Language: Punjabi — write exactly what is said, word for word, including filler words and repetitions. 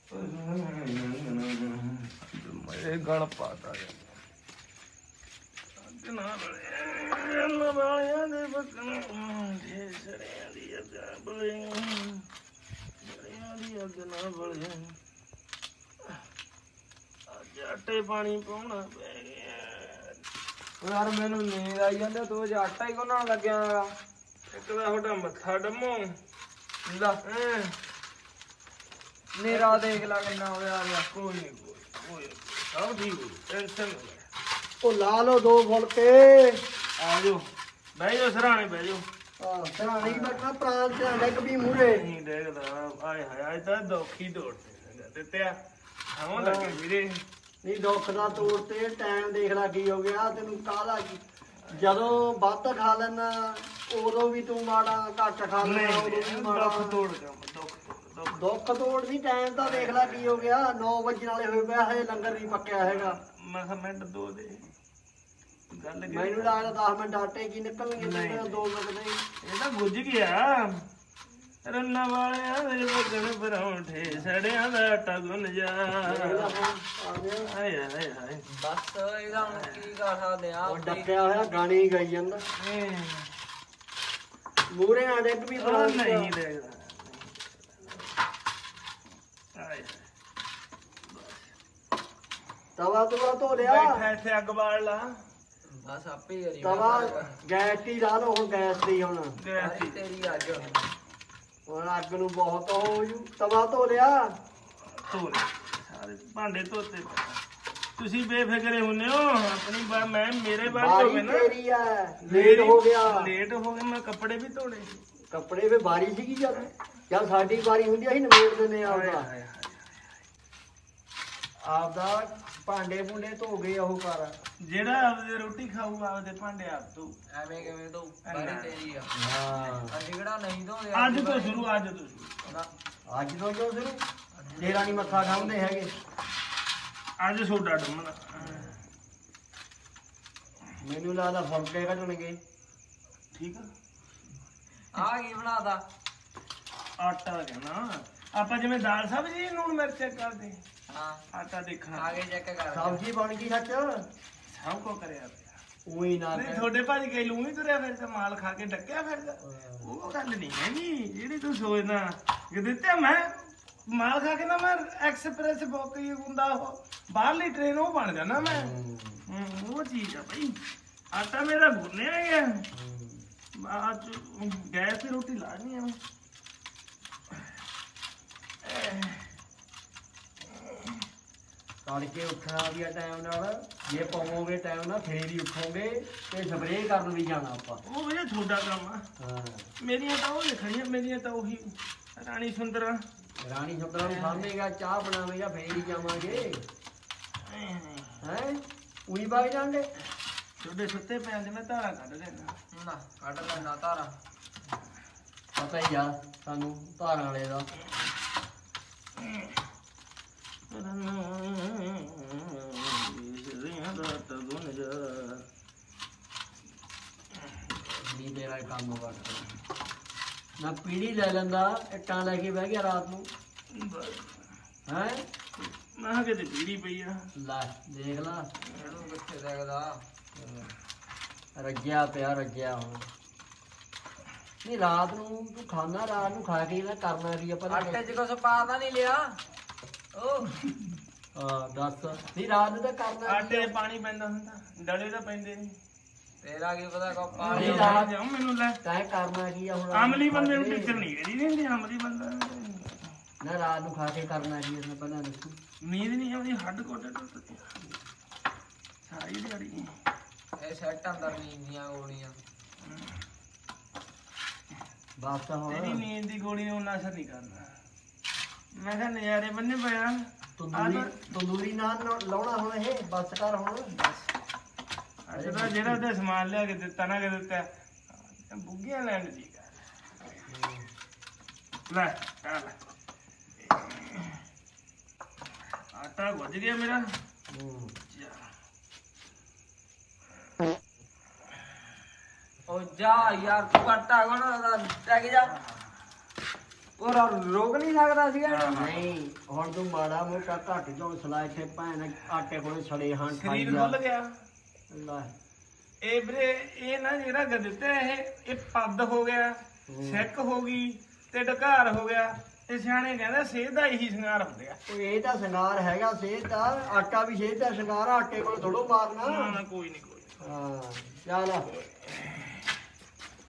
ਮੇਰੇ ਗਲ ਪਾਤਾ ਵਾਲਿਆਂ ਦੇ ਬਕਣ ਸੜਿਆਂ ਦੀ ਅੱਗ ਬਲੇ ਸੜਿਆਂ ਦੀ ਅੱਗ ਨਾ ਬਲੇ ਅੱਜ ਆਟੇ ਪਾਣੀ ਪਾਉਣਾ ਪੈ ਗਿਆ ਯਾਰ। ਮੈਨੂੰ ਨੀਂਦ ਆਈ ਜਾਂਦਾ ਤੂੰ ਅੱਜ ਆਟਾ ਹੀ ਗੁੰਨਣ ਲੱਗਿਆ ਗਾ। ਇੱਕ ਤਾਂ ਤੁਹਾਡਾ ਮੱਥਾ ਡੰਮੋ ਲਾ ਨੇਰਾ ਦੇਖ ਲਾ ਕਿੰਨਾ ਹੋਇਆ ਗਿਆ। ਕੋਈ ਨੀ ਕੋਈ ਕੋਈ ਸਭ ਠੀਕ ਹੋ ਟੈਨਸ਼ਨ ਨਾ ਲੈ। ਉਹ ਲਾ ਲਓ ਦੋ ਫੁਲਕੇ। ਆ ਜਾਓ ਬਹਿ ਜਾਓ ਸਰਾਣੇ ਬਹਿ ਜਾਓ। ਆਹ ਸਰਾਣੇ ਹੀ ਬੈਠਾ ਪ੍ਰਾਂਤ ਤੇ ਡਿੱਗ ਵੀ ਮੂਹਰੇ ਨਹੀਂ ਦੇਖਦਾ ਆਏ ਹਾਏ ਅੱਜ ਤਾਂ ਦੁੱਖ ਹੀ ਤੋੜ ਦਿੱਤਿਆ ਆਉਂ ਲੱਗੇ ਵੀਰੇ। ਨਹੀਂ ਦੁੱਖ ਦਾ ਤੋੜ ਤੇ ਟਾਈਮ ਦੇਖ ਲਾ ਕੀ ਹੋ ਗਿਆ ਤੈਨੂੰ ਕਾਹਦਾ ਕੀ। ਜਦੋਂ ਵੱਧ ਖਾ ਲੈਣਾ ਉਦੋਂ ਵੀ ਤੂੰ ਮਾੜਾ, ਘੱਟ ਖਾ ਲੈਣਾ ਉਦੋਂ ਵੀ ਮਾੜਾ। ਦੁੱਖ ਤੋੜ ਕੰਮ ਦੁੱਖ ਤੋੜ ਦੁੱਖ ਤੋੜ ਨਹੀਂ ਟਾਈਮ ਤਾਂ ਦੇਖ ਲਾ ਕੀ ਹੋ ਗਿਆ। ਨੌ ਵਜੇ ਵਾਲੇ ਹੋਏ ਪਿਆ ਹਜੇ ਲੰਗਰ ਨਹੀਂ ਪੱਕਿਆ ਹੈਗਾ। ਮੈਂ ਕਿਹਾ ਮਿੰਟ ਦੋ ਦੇ ਗੱਲ ਮੈਨੂੰ ਲੱਗਦਾ ਦਸ ਮਿੰਟ ਆਟੇ ਕੀ ਨਿਕਲਣਗੇ ਦੋ ਮਿੰਟ ਦੇ। ਇਹ ਤਾਂ ਗੁੱਝ ਗਿਆ ਰੰਨਾ ਵਾਲਿਆਂ ਦੇ ਬਗਣ ਪਰੌਂਠੇ ਸੜਿਆਂ ਦਾ ਆਟਾ ਗੁੰਨ ਜਾ। ਹਾਏ ਹਾਏ ਹਾਏ ਬਸ ਇਹਦਾ ਹੁਣ ਕੀ ਕਰ ਸਕਦੇ ਆ। ਉਹ ਡੱਕਿਆ ਹੋਇਆ ਗਾਣੇ ਹੀ ਗਾਈ ਜਾਂਦਾ ਮੂਹਰੇ ਨਾ ਡਿੱਗ ਵੀ ਉਹ ਨਹੀਂ ਦੇਖਦਾ। ਹਾਏ ਤਵਾ ਤਵਾ ਧੋ ਲਿਆ। ਬੈਠਾ ਇੱਥੇ ਅੱਗ ਬਾਲ ਲਾ। ਬਸ ਆਪੇ ਕਰੀ ਤਵਾ ਗੈਸ ਹੀ ਲਾ ਲਓ ਹੁਣ ਗੈਸ ਦੀ ਹੁਣ ਸਾਰੀ ਤੇਰੀ ਅੱਜ ਹੁਣ ਅੱਗ ਨੂੰ ਬਹੁਤ ਹੋ ਜੂ। ਤਵਾ ਧੋ ਲਿਆ ਧੋ ਲੈ ਸਾਰੇ ਭਾਂਡੇ ਧੋਤੇ ਪਏ। ਤੁਸੀਂ ਬੇਫਿਕਰੇ ਹੁੰਨੇ ਹੋ ਆਪਣੀ ਬਾ ਮੈਂ ਮੇਰੇ ਬਾਰੇ ਹੋ ਗਏ ਬਾਰੀ ਨਾ। ਤੇਰੀ ਆ ਲੇਟ ਹੋ ਗਿਆ ਲੇਟ ਹੋ ਗਿਆ ਮੈਂ ਕੱਪੜੇ ਵੀ ਧੋਣੇ ਸੀ। ਕੱਪੜੇ ਫੇ ਬਾਰੀ ਸੀਗੀ ਜਦ ਜਦ ਸਾਡੀ ਵਾਰੀ ਹੁੰਦੀ ਅਸੀਂ ਨਿਬੇੜ ਦਿੰਦੇ ਆ ਆਪਦਾ ਆਪਦਾ ਭਾਂਡੇ ਭੁੰਡੇ ਧੋ ਗਏ ਉਹ ਕਰ। ਜਿਹੜਾ ਆਪਦੇ ਰੋਟੀ ਖਾਊਗਾ ਆਪਦੇ ਭਾਂਡੇ ਆਪ ਤੋਂ ਐਵੇਂ ਕਿਵੇਂ ਤੋਂ ਸਾਰੀ ਤੇਰੀ ਆ। ਹਾਂ ਅਸੀਂ ਕਿਹੜਾ ਨਹੀਂ ਧੋਦੇ ਅੱਜ ਤੋਂ ਸ਼ੁਰੂ ਅੱਜ ਤੋਂ ਸ਼ੁਰੂ ਅੱਜ ਤੋਂ ਜੋ ਸ਼ੁਰੂ ਤੇਰਾ ਨਹੀਂ ਮੱਥਾ ਖਾਂਦੇ ਹੈਗੇ। ਅੱਜ ਸੋਡਾ ਡੰਮਣਾ ਮੈਨੂੰ ਲੱਗਦਾ ਫੁਲਕੇ ਕੱਢਣਗੇ। ਠੀਕ ਆ ਆ ਕੀ ਬਣਾਦਾ ਆਟਾ ਕਹਿਣਾ ਆਪਾਂ ਜਿਵੇਂ ਦਾਲ ਸਬਜ਼ੀ ਲੂਣ ਮਿਰਚ ਕਰਦੇ ਹਾਂ ਆਟਾ ਦੇਖਣਾ ਆਗੇ ਚੈੱਕ ਕਰ ਸਬਜ਼ੀ ਬਣ ਗਈ ਸੱਚ ਸਭ ਕੋ ਕਰਿਆ ਪਿਆ। ਉਹੀ ਨਾ ਨਹੀਂ ਤੁਹਾਡੇ ਭਾਜੀ ਕਈ ਲੂਣ ਹੀ ਤੁਰਿਆ ਫਿਰਦਾ ਮਾਲ ਖਾ ਕੇ ਡੱਕਿਆ ਫਿਰਦਾ। ਉਹ ਗੱਲ ਨਹੀਂ ਹੈਗੀ ਜਿਹੜੀ ਤੂੰ ਸੋਚਦਾ ਕਿ ਦਿੱਤੇ ਮੈਂ ਮਾਲ ਖਾ ਕੇ ਨਾ ਮੈਂ ਐਕਸਪ੍ਰੈਸ ਬੁੱਕ ਹੀ ਹੁੰਦਾ ਉਹ ਬਾਹਰਲੀ ਟ੍ਰੇਨ ਉਹ ਬਣ ਜਾਣਾ ਮੈਂ। ਹੂੰ ਉਹ ਚੀਜ਼ ਆ ਭਾਈ ਆਟਾ ਮੇਰਾ ਗੁੰਨਿਆ ਗਿਆ ਬਾਅਦ ਗੈਸ ਤੇ ਰੋਟੀ ਲਾਣੀ ਆ। ਤੜਕੇ ਉੱਠਣਾ ਵੀ ਆ ਟਾਈਮ ਨਾਲ ਜੇ ਪਾਵੋਗੇ ਟਾਈਮ ਨਾਲ ਫੇਰ ਹੀ ਉੱਠੋਗੇ ਤੇ ਸਪਰੇਅ ਕਰਨ ਵੀ ਜਾਣਾ ਆਪਾਂ। ਉਹ ਭਈਆ ਤੁਹਾਡਾ ਕੰਮ ਆ ਹਾਂ ਮੇਰੀਆਂ ਤਾਂ ਉਹ ਲਿਖਣੀਆਂ ਮੇਰੀਆਂ ਤਾਂ ਉਹੀ ਰਾਣੀ ਸੁੰਦਰਾ ਰਾਣੀ ਸੁੰਦਰਾਂ ਨੂੰ ਸਾਹਮਣੇਗਾ ਚਾਹ ਬਣਾਵੇਗਾ ਫੇਰ ਹੀ ਜਾਵਾਂਗੇ ਹੈ ਉਹੀ ਬਾਈ ਜਾਂਦੇ ਤੁਹਾਡੇ ਸੁੱਤੇ ਪੈਣ ਦੇ ਮੈਂ ਧਾਰਾ ਕੱਢ ਦੇਣਾ। ਨਾ ਕੱਢ ਲੈਣਾ ਧਾਰਾ ਪਤਾ ਹੀ ਆ ਸਾਨੂੰ ਧਾਰਾਂ ਵਾਲੇ ਦਾ। ਨਹੀਂ ਤੇਰਾ ਕੰਮ ਕਰਦਾ ਨਾ ਪੀੜੀ ਲੈ ਲੈਂਦਾ ਇੱਟਾਂ ਲੈ ਕੇ ਬਹਿ ਗਿਆ ਰਾਤ ਨੂੰ ਹੈ। ਮੈਂ ਕਿਤੇ ਪੀੜੀ ਪਈ ਆ ਲੈ ਦੇਖ ਲਾ ਇਹਨੂੰ ਕਿੱਥੇ ਦੇਖਦਾ ਰੱਜਿਆ ਪਿਆ ਰੱਜਿਆ ਹੁਣ। ਨਹੀਂ ਰਾਤ ਨੂੰ ਤੂੰ ਖਾਣਾ ਰਾਤ ਨੂੰ ਖਾ ਕੇ ਨਾ ਕਰਨਾ ਵੀ ਆਪਾਂ ਆਟੇ 'ਚ ਕੁਛ ਪਾ ਤਾਂ ਨਹੀਂ ਲਿਆ ਉਹ ਹਾਂ ਦੱਸ ਨਹੀਂ ਰਾਤ ਨੂੰ ਤਾਂ ਕਰਨਾ ਆਟੇ 'ਚ ਪਾਣੀ ਪੈਂਦਾ ਹੁੰਦਾ ਡਲੇ ਤਾਂ ਪੈਂਦੇ ਨਹੀਂ। ਤੇਰਾ ਕੀ ਪਤਾ ਕੋ ਪਾ ਨਹੀਂ ਲਿਆ ਰਾਤ ਜਾਓ ਮੈਨੂੰ ਲੈ ਤੈਂ ਕਰਨਾ ਕੀ ਆ ਹੁਣ ਅਮਲੀ ਬੰਦੇ ਨੂੰ ਟੀਚਰ ਨਹੀਂ ਕਰੀ ਨਹੀਂ ਹੁੰਦੀ ਅਮਲੀ ਬੰਦਾ ਨਾ ਰਾਤ ਨੂੰ ਖਾ ਕੇ ਕਰਨਾ ਕੀ ਇਹਨੇ ਪਹਿਲਾਂ ਦੱਸੂ। ਨੀਂਦ ਨਹੀਂ ਆਉਂਦੀ ਹੱਡ ਗੋਡੇ ਟੁੱਟਦੇ ਸਾਰੀ ਦਿਹਾੜੀ। ਇਹ ਸੈੱਟ ਅੰਦਰ ਨੀਂਦ ਦੀਆਂ ਗੋਲੀਆਂ ਬਸ ਤਾਂ ਤੇਰੀ ਹੁਣ ਨੀਂਦ ਦੀ ਗੋਲੀ ਨੇ ਉਹਨਾਂ ਅਸਰ ਨਹੀਂ ਕਰਨਾ। ਮੈਂ ਕਿਹਾ ਨਜ਼ਾਰੇ ਬੰਨੇ ਪਿਆ ਤੰਦੂਰੀ ਤੰਦੂਰੀ ਨਾਲ ਲਾਉਣਾ ਹੁਣ ਇਹ ਬਸ ਕਰ ਹੁਣ। ਅੱਜ ਦਾ ਜਿਹੜਾ ਉਹਦੇ ਸਮਾਨ ਲਿਆ ਕੇ ਦਿੱਤਾ ਨਾ ਕਿ ਦਿੱਤਾ ਬੁੱਗੀਆਂ ਲੈਣ ਦੀ ਲੈ ਆ ਲੈ ਆਟਾ ਗੁੱਝ ਗਿਆ ਮੇਰਾ। ਉਹ ਜਾ ਯਾਰ ਤੂੰ ਆਟਾ ਕੋਣ ਟੈਗ ਜਾ ਉਹ ਰ- ਰੋਕ ਨਹੀਂ ਸਕਦਾ ਸੀਗਾ ਇਹਨੂੰ? ਨਹੀਂ ਹੁਣ ਤੂੰ ਮਾੜਾ ਮੋਟਾ ਘੱਟ ਤੋਂ ਸਲਾ ਇੱਥੇ ਭੈਣ ਆਟੇ ਕੋਲੇ ਸੜੇ ਹਾਂ ਖਾਈ ਸਰੀਰ ਜਾ ਖੁੱਲ ਗਿਆ ਲੈ ਇਹ ਵੀਰੇ ਇਹ ਨਾ ਜਿਹੜਾ ਦਿੱਤਾ ਇਹ ਇਹ ਪੱਦ ਹੋ ਗਿਆ ਸਿੱਕ ਹੋ ਗਈ ਤੇ ਢਕਾਰ ਹੋ ਗਿਆ ਤੇ ਸਿਆਣੇ ਕਹਿੰਦੇ ਸਿਹਤ ਦਾ ਇਹੀ ਸ਼ਿੰਗਾਰ ਹੁੰਦੇ ਆ ਉਹ ਇਹ ਤਾਂ ਸ਼ਿੰਗਾਰ ਹੈਗਾ ਸਿਹਤ ਦਾ ਆਟਾ ਵੀ ਸਿਹਤ ਦਾ ਸ਼ਿੰਗਾਰ ਆ, ਆਟੇ ਕੋਲ ਥੋੜੋ ਮਾਰਨਾ ਨਾ ਨਾ ਕੋਈ ਨਹੀਂ ਕੋਈ ਨੀ। ਹਾਂ ਚੱਲ